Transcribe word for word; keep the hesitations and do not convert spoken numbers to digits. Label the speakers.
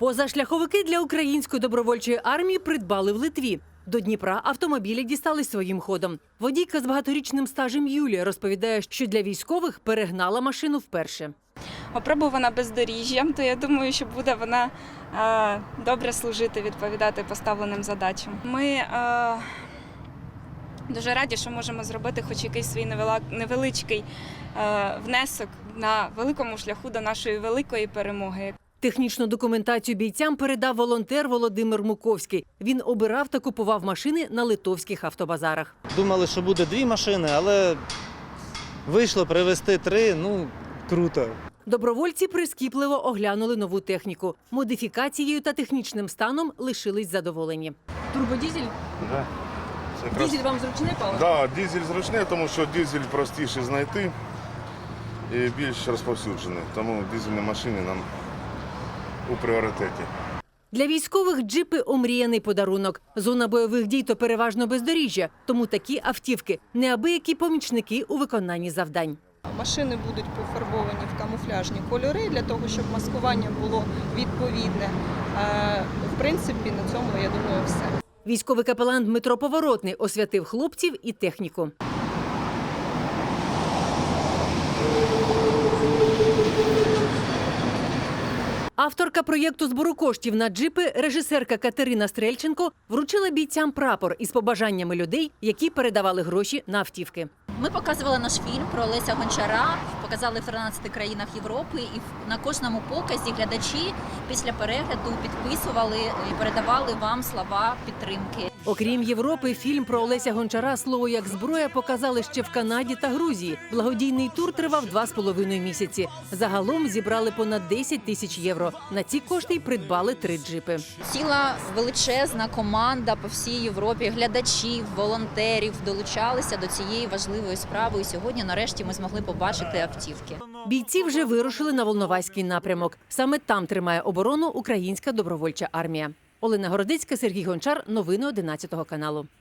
Speaker 1: Позашляховики для української добровольчої армії придбали в Литві. До Дніпра автомобілі дістались своїм ходом. Водійка з багаторічним стажем Юлія розповідає, що для військових перегнала машину вперше.
Speaker 2: Опробувана бездоріжжям, то я думаю, що буде вона е, добре служити, відповідати поставленим задачам. Ми е, дуже раді, що можемо зробити хоч якийсь свій невеличкий е, внесок на великому шляху до нашої великої перемоги.
Speaker 1: Технічну документацію бійцям передав волонтер Володимир Муковський. Він обирав та купував машини на литовських автобазарах.
Speaker 3: Думали, що буде дві машини, але вийшло привезти три, ну, круто.
Speaker 1: Добровольці прискіпливо оглянули нову техніку. Модифікацією та технічним станом лишились задоволені.
Speaker 4: Турбодізель?
Speaker 5: Да. Це якраз...
Speaker 4: Дізель вам зручний паливо?
Speaker 5: Да, дизель зручний, тому що дизель простіше знайти і більш розповсюджений. Тому дизельні машини нам у пріоритеті.
Speaker 1: Для військових джипи – омріяний подарунок. Зона бойових дій – то переважно бездоріжжя. Тому такі автівки – неабиякі помічники у виконанні завдань.
Speaker 6: Машини будуть пофарбовані в камуфляжні кольори для того, щоб маскування було відповідне. В принципі, на цьому, я думаю, все.
Speaker 1: Військовий капелан Дмитро Поворотний освятив хлопців і техніку. Авторка проєкту збору коштів на джипи, режисерка Катерина Стрельченко, вручила бійцям прапор із побажаннями людей, які передавали гроші на автівки.
Speaker 7: Ми показували наш фільм про Олеся Гончара, показали в тринадцяти країнах Європи, і на кожному показі глядачі після перегляду підписували і передавали вам слова підтримки.
Speaker 1: Окрім Європи, фільм про Олеся Гончара «Слово як зброя» показали ще в Канаді та Грузії. Благодійний тур тривав два з половиною місяці. Загалом зібрали понад десять тисяч євро. На ці кошти й придбали три джипи.
Speaker 7: Ціла величезна команда по всій Європі, глядачів, волонтерів долучалися до цієї важливої справи. І сьогодні, нарешті, ми змогли побачити автівки.
Speaker 1: Бійці вже вирушили на Волноваський напрямок. Саме там тримає оборону українська добровольча армія. Олена Городецька, Сергій Гончар. Новини одинадцятого каналу.